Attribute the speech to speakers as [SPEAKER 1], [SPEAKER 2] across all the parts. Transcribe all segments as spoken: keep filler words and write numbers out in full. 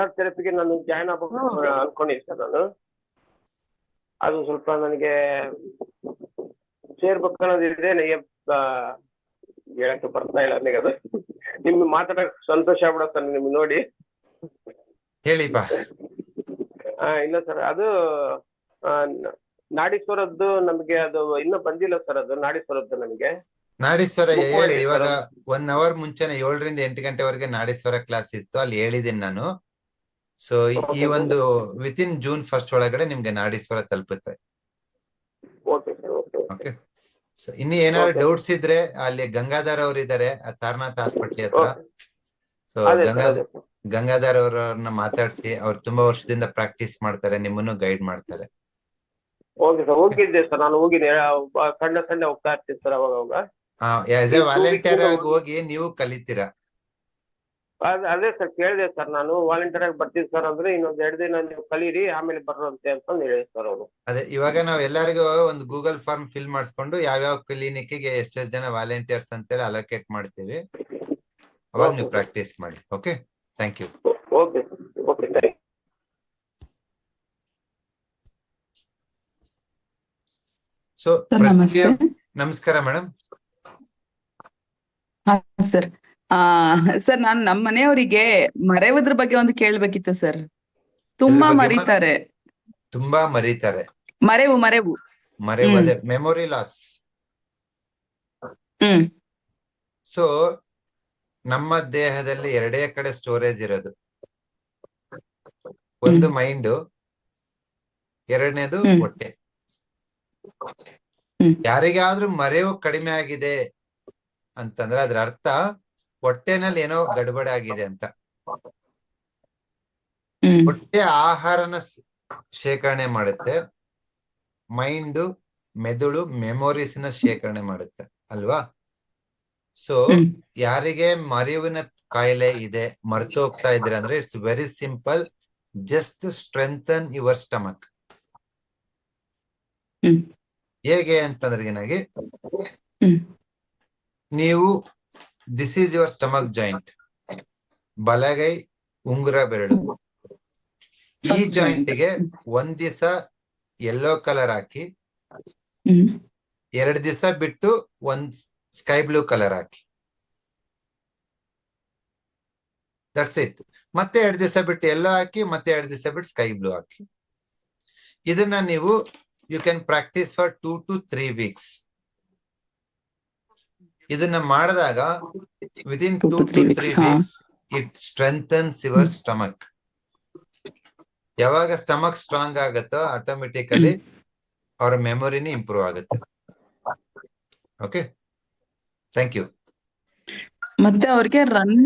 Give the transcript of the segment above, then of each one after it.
[SPEAKER 1] Massage ಥೆರಪಿಗೆ ನಾನು join ಆಗ್ಬೇಕು ಅನ್ಕೊಂಡಿದ್ದೆ ಸರ್ ನಾನು. ಅದು ಸ್ವಲ್ಪ ನನಗೆ ಸೇರ್ಬೇಕು ಅನ್ನೋದಿದೆ, ನನಗೆ ಹೇಳಕ್ಕೆ ಬರ್ತಾ ಇಲ್ಲ ನನಗೆ. ಅದು ನಿಮ್ಗೆ ಮಾತಾಡಕ್ ಸಂತೋಷ ಆಗ್ಬಿಡುತ್ತೆ ನಿಮ್ಗೆ ನೋಡಿ.
[SPEAKER 2] ಹೇಳಿ ಬಾ.
[SPEAKER 1] ಹಾ ಇಲ್ಲ ಸರ್, ಅದು ನಾಡೀಶ್ವರದ್ದು ನಮಗೆ ಅದು ಇನ್ನೂ ಬಂದಿಲ್ಲ ಸರ್. ಅದು ನಾಡೀಶ್ವರದ್ದು ನಮಗೆ
[SPEAKER 2] ನಾಡೀಶ್ವರ ಹೇಳಿದೆ ಇವಾಗ ಒನ್ ಅವರ್ ಮುಂಚೆನೆ ಏಳರಿಂದ ಎಂಟು ಗಂಟೆವರೆಗೆ ನಾಡೀಶ್ವರ ಕ್ಲಾಸ್ ಇತ್ತು, ಅಲ್ಲಿ ಹೇಳಿದ್ದೀನಿ ನಾನು. ಸೊ ಈ ಒಂದು ವಿತ್ ಇನ್ ಜೂನ್ ಫಸ್ಟ್ ಒಳಗಡೆ ನಿಮ್ಗೆ ನಾಡೀಶ್ವರ ತಲುಪುತ್ತೆ. ಓಕೆ. ಸೊ ಇನ್ನು ಏನಾದ್ರು ಡೌಟ್ಸ್ ಇದ್ರೆ ಅಲ್ಲಿ ಗಂಗಾಧರ್ ಅವ್ರು ಇದಾರೆ ತಾರನಾಥ್ ಹಾಸ್ಪಿಟ್ಲ್ ಹತ್ರ. ಸೊ ಗಂಗಾಧರ್ ಗಂಗಾಧರ್ ಅವರನ್ನ ಮಾತಾಡ್ಸಿ, ಅವ್ರು ತುಂಬಾ ವರ್ಷದಿಂದ ಪ್ರಾಕ್ಟೀಸ್ ಮಾಡ್ತಾರೆ, ನಿಮ್ಮನ್ನು ಗೈಡ್ ಮಾಡ್ತಾರೆ.
[SPEAKER 1] ಓಕೆ ಸರ್, ಹೋಗಿದ್ದೆ ಸರ್ ನಾನು, ಹೋಗಿದ್ದೆ ಸಣ್ಣ ಸಣ್ಣ ಹೋಗ್ತಾ ಇರ್ತೀನಿ ಸರ್ ಅವಾಗ ಅವಾಗ.
[SPEAKER 2] ಆಸ್ ಎ ವಾಲಂಟಿಯರ್ ಆಗಿ ಹೋಗಿ ನೀವು ಕಲಿತೀರಾ.
[SPEAKER 1] ಅದೇ ಸರ್ ಕೇಳಿದೆ ಸರ್ ನಾನು, ವಾಲಂಟಿಯರ್ ಆಗಿ ಬರ್ತೀನಿ ಸರ್ ಅಂದ್ರೆ ಇನ್ನೊಂದ್ ಎರಡು ದಿನ ನೀವು ಕಲೀರಿ ಆಮೇಲೆ ಬರೋಂತೆ ಅಂತ ಹೇಳಿದೆ ಸರ್ ಅವರು. ಅದೇ
[SPEAKER 2] ಇವಾಗ ನಾವ್ ಎಲ್ಲರಿಗೂ ಒಂದು ಗೂಗಲ್ ಫಾರ್ಮ್ ಫಿಲ್ ಮಾಡಿಸ್ಕೊಂಡು ಯಾವ್ಯಾವ ಕ್ಲಿನಿಕ್ಗೆ ಎಷ್ಟೆಷ್ಟು ಜನ ವಾಲಂಟಿಯರ್ಸ್ ಅಂತೇಳಿ ಅಲೋಕೇಟ್ ಮಾಡ್ತೀವಿ, ಅವಾಗ ನೀವು ಪ್ರಾಕ್ಟೀಸ್ ಮಾಡಿ. Okay, thank you.
[SPEAKER 1] Okay okay thank you.
[SPEAKER 2] So ನಮಸ್ಕಾರ ಮೇಡಮ್.
[SPEAKER 3] ಸರ್ ಆ ಸರ್ ನಾನು ನಮ್ಮ ಮನೆಯವರಿಗೆ ಮರೆಯುವುದ್ರ ಬಗ್ಗೆ ಒಂದು ಕೇಳ್ಬೇಕಿತ್ತು ಸರ್. ತುಂಬಾ ಮರೀತಾರೆ.
[SPEAKER 2] ತುಂಬಾ ಮರೀತಾರೆ.
[SPEAKER 3] ಮರೆವು ಮರೆವು
[SPEAKER 2] ಮರೆವು ಅದೇ ಮೆಮೊರಿ ಲಾಸ್.
[SPEAKER 3] ಹ್ಮ್
[SPEAKER 2] ಸೊ ನಮ್ಮ ದೇಹದಲ್ಲಿ ಎರಡೇ ಕಡೆ ಸ್ಟೋರೇಜ್ ಇರೋದು, ಒಂದು ಮೈಂಡ್, ಎರಡನೇದು ಹೊಟ್ಟೆ. ಯಾರಿಗಾದ್ರೂ ಮರೆವು ಕಡಿಮೆ ಆಗಿದೆ ಅಂತಂದ್ರೆ ಅದ್ರ ಅರ್ಥ ಹೊಟ್ಟೆನಲ್ಲಿ ಏನೋ ಗಡ್ಬಡಿ ಆಗಿದೆ ಅಂತ. ಹೊಟ್ಟೆ ಆಹಾರನ ಶೇಖರಣೆ ಮಾಡುತ್ತೆ, ಮೈಂಡ್ ಮೆದುಳು ಮೆಮೊರೀಸ್ ನ ಶೇಖರಣೆ ಮಾಡುತ್ತೆ ಅಲ್ವಾ. ಸೊ ಯಾರಿಗೆ ಮರೆವಿನ ಕಾಯಿಲೆ ಇದೆ, ಮರೆತು ಹೋಗ್ತಾ ಇದ್ರೆ ಅಂದ್ರೆ it's very simple, just strengthen your stomach. ಹೇಗೆ ಅಂತಂದ್ರೆ ಏನಾಗಿ ನೀವು this is your stomach joint, ಬಲಗೈ ಉಂಗುರ ಬೆರಳು, ಈ ಜಾಯಿಂಟ್ ಗೆ ಒಂದ್ ದಿವಸ ಯೆಲ್ಲೋ ಕಲರ್ ಹಾಕಿ, ಎರಡ್ ದಿವಸ ಬಿಟ್ಟು ಒಂದ್ ಸ್ಕೈ ಬ್ಲೂ ಕಲರ್ ಹಾಕಿ, ದಟ್ಸ್ ಇಟ್. ಮತ್ತೆ ಎರಡ್ ದಿವಸ ಬಿಟ್ಟು ಯೆಲ್ಲೋ ಹಾಕಿ, ಮತ್ತೆ ಎರಡ್ ದಿವಸ ಬಿಟ್ಟು ಸ್ಕೈ ಬ್ಲೂ ಹಾಕಿ. ಇದನ್ನ ನೀವು you can practice for two to three weeks. ಇದನ್ನ ಮಾಡಿದಾಗ within two to three weeks it strengthens your stomach. ಯಾವಾಗ ಸ್ಟಮಕ್ ಸ್ಟ್ರಾಂಗ್ ಆಗುತ್ತೋ ಆಟೋಮೆಟಿಕಲಿ ಅವರ ಮೆಮೊರಿನಿ ಇಂಪ್ರೂವ್ ಆಗುತ್ತೆ. Okay, thank you.
[SPEAKER 3] ಮತ್ತೆ ಅವ್ರಿಗೆ run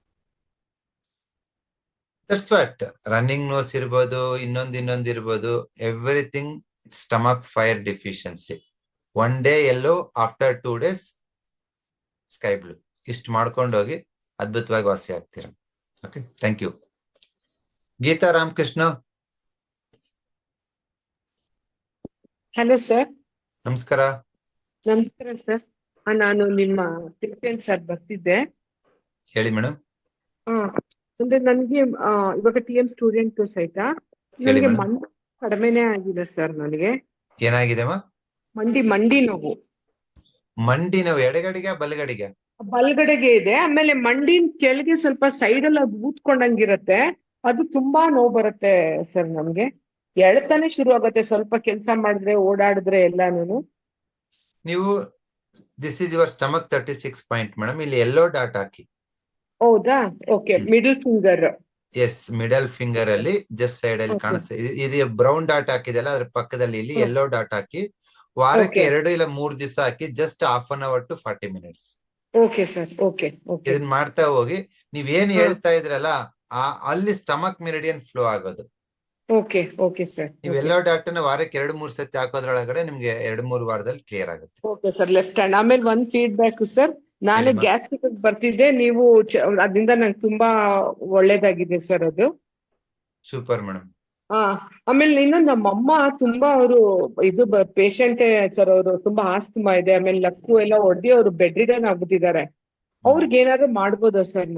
[SPEAKER 2] that's what running nose ಇರ್ಬೋದು, ಇನ್ನೊಂದ್ ಇನ್ನೊಂದ್ ಇರ್ಬೋದು, everything stomach fire deficiency. One day yellow, after two days sky blue. ಇಷ್ಟು ಮಾಡ್ಕೊಂಡೋಗಿ ಅದ್ಭುತವಾಗಿ ವಾಸಿ ಆಗ್ತೀರಾ. Okay, thank you. Geetha Ramakrishna.
[SPEAKER 4] Hello sir.
[SPEAKER 2] ನಮಸ್ಕಾರ.
[SPEAKER 4] ನಮಸ್ಕಾರ ಸರ್, ನಾನು ನಿಮ್ಮ ತಿರುಪೇನ್ ಸರ್ ಬರ್ತಿದ್ದೆ.
[SPEAKER 2] ಹೇಳಿ ಮೇಡಮ್.
[SPEAKER 4] ಹಾ, ಅಂದ್ರೆ ನನ್ಗೆ ಇವಾಗ ಟಿ ಎಂ ಸ್ಟೂಡೆಂಟ್ ಸಹಿತ ನನಗೆ ಮಂಡಿ ಕಡಿಮೆನೆ ಆಗಿದೆ ಸರ್. ನನಗೆ
[SPEAKER 2] ಏನಾಗಿದೆ?
[SPEAKER 4] ಮಂಡಿ ಮಂಡಿ ನೋವು.
[SPEAKER 2] ಮಂಡಿ ನೋವು ಎಡಗಡೆಗೆ ಬಲಗಡೆಗೆ?
[SPEAKER 4] ಬಲಗಡೆಗೆ ಇದೆ. ಆಮೇಲೆ ಮಂಡಿನ ಕೆಳಗೆ ಸ್ವಲ್ಪ ಸೈಡ್ ಅಲ್ಲಿ ಅದು ಊದ್ಕೊಂಡಂಗಿರತ್ತೆ, ಅದು ತುಂಬಾ ನೋವು ಬರುತ್ತೆ ಸರ್. ನಮ್ಗೆ ಎಳ್ತಾನೆ ಶುರು ಆಗುತ್ತೆ ಸ್ವಲ್ಪ ಕೆಲಸ ಮಾಡಿದ್ರೆ, ಓಡಾಡಿದ್ರೆ ಎಲ್ಲಾನು.
[SPEAKER 2] ನೀವು this is your stomach thirty six point madam. ಇಲ್ಲಿ ಎಲ್ಲೋ ಡಾಟ್ ಹಾಕಿ.
[SPEAKER 4] ಹೌದಾ? Okay, middle finger.
[SPEAKER 2] Yes, middle finger ಅಲ್ಲಿ ಜಸ್ಟ್ ಸೈಡ್ ಅಲ್ಲಿ ಕಾಣಿಸ್ತಾ ಇದು ಬ್ರೌನ್ ಡಾಟ್ ಹಾಕಿದೆಲ್ಲ, ಅದ್ರ ಪಕ್ಕದಲ್ಲಿ ಇಲ್ಲಿ ಎಲ್ಲೋ ಡಾಟ್ ಹಾಕಿ ವಾರಕ್ಕೆ ಎರಡು ಇಲ್ಲ ಮೂರ್ ದಿವಸ ಹಾಕಿ, just half an hour to forty minutes.
[SPEAKER 4] Okay sir. Okay okay,
[SPEAKER 2] ಇದನ್ನ ಮಾಡ್ತಾ ಹೋಗಿ. ನೀವ್ ಏನ್ ಹೇಳ್ತಾ ಇದ್ರಲ್ಲ ಅಲ್ಲಿ ಸ್ಟಮಕ್ ಮೆರಿಡಿಯನ್ ಫ್ಲೋ ಆಗೋದು.
[SPEAKER 4] Okay okay sir.
[SPEAKER 2] ನೀವು ಎಲ್ಲೋ ಡಾಟ್ ನ ವಾರಕ್ಕೆ ಎರಡು ಮೂರ್ ಸತಿ ಹಾಕೋದ್ರೊಳಗಡೆ ನಿಮ್ಗೆ ಎರಡು ಮೂರು ವಾರದಲ್ಲಿ ಕ್ಲಿಯರ್ ಆಗುತ್ತೆ.
[SPEAKER 4] Okay sir. Left hand. ಆಮೇಲೆ ಒಂದ್ ಫೀಡ್ಬ್ಯಾಕ್ ಸರ್, ನಾನು ಗ್ಯಾಸ್ಟ್ರಿಕ್ ಬರ್ತಿದ್ದೆ, ನೀವು ಅದರಿಂದ ನಂಗೆ ತುಂಬಾ ಒಳ್ಳೇದಾಗಿದೆ ಸರ್ ಅದು.
[SPEAKER 2] Super madam.
[SPEAKER 4] ಹಾ, ಆಮೇಲೆ ಇನ್ನೊಂದು ನಮ್ಮಮ್ಮ ತುಂಬಾ ಅವರು ಇದು ಪೇಷಂಟೇ ಸರ್, ಅವರು ತುಂಬಾ ಆಸ್ತಮಾ ಇದೆ, ಆಮೇಲೆ ಲಕ್ಕು ಎಲ್ಲ ಹೊಡೆದಿ ಅವರು ಬೆಡ್ ರಿಡನ್ ಆಗ್ಬಿಟ್ಟಿದ್ದಾರೆ. ಅವ್ರಿಗೆ ಏನಾದ್ರು ಮಾಡ್ಬೋದಾ ಸರ್?